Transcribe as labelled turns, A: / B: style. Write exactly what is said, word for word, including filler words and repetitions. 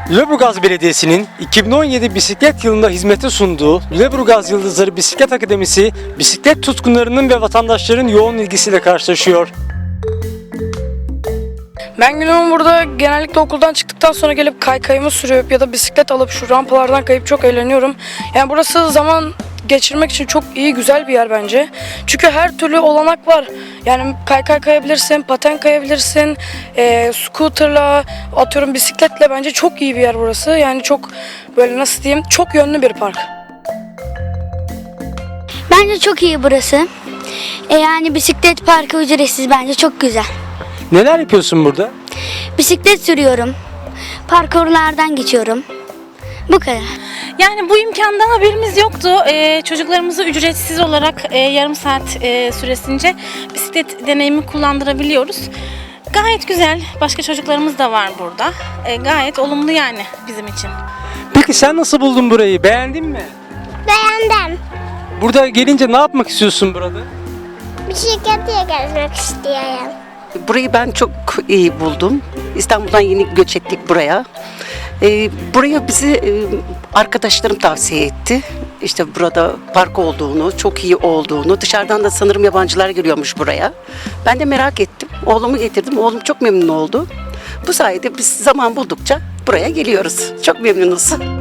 A: Lüleburgaz Belediyesi'nin iki bin on yedi bisiklet yılında hizmete sunduğu Lüleburgaz Yıldızları Bisiklet Akademisi, bisiklet tutkunlarının ve vatandaşların yoğun ilgisiyle karşılaşıyor.
B: Ben günümü burada genellikle okuldan çıktıktan sonra gelip kaykayımı sürüp ya da bisiklet alıp şu rampalardan kayıp çok eğleniyorum. Yani burası zaman geçirmek için çok iyi, güzel bir yer bence. Çünkü her türlü olanak var. Yani kaykay kayabilirsin, paten kayabilirsin, e, scooterla, atıyorum bisikletle, bence çok iyi bir yer burası. Yani çok böyle, nasıl diyeyim, çok yönlü bir park.
C: Bence çok iyi burası. E yani bisiklet parkı ücretsiz, bence çok güzel.
A: Neler yapıyorsun burada?
C: Bisiklet sürüyorum. Parkurlardan geçiyorum. Bu kadar.
D: Yani bu imkandan haberimiz yoktu. Ee, çocuklarımızı ücretsiz olarak e, yarım saat e, süresince bisiklet deneyimi kullandırabiliyoruz. Gayet güzel. Başka çocuklarımız da var burada. E, gayet olumlu yani bizim için.
A: Peki sen nasıl buldun burayı? Beğendin mi?
E: Beğendim.
A: Burada gelince ne yapmak istiyorsun burada?
E: Bisikletiyle gezmek istiyorum.
F: Burayı ben çok iyi buldum. İstanbul'dan yeni göç ettik buraya. Ee, buraya bizi e, arkadaşlarım tavsiye etti. İşte burada park olduğunu, çok iyi olduğunu, dışarıdan da sanırım yabancılar geliyormuş buraya. Ben de merak ettim. Oğlumu getirdim. Oğlum çok memnun oldu. Bu sayede biz zaman buldukça buraya geliyoruz. Çok memnunuz.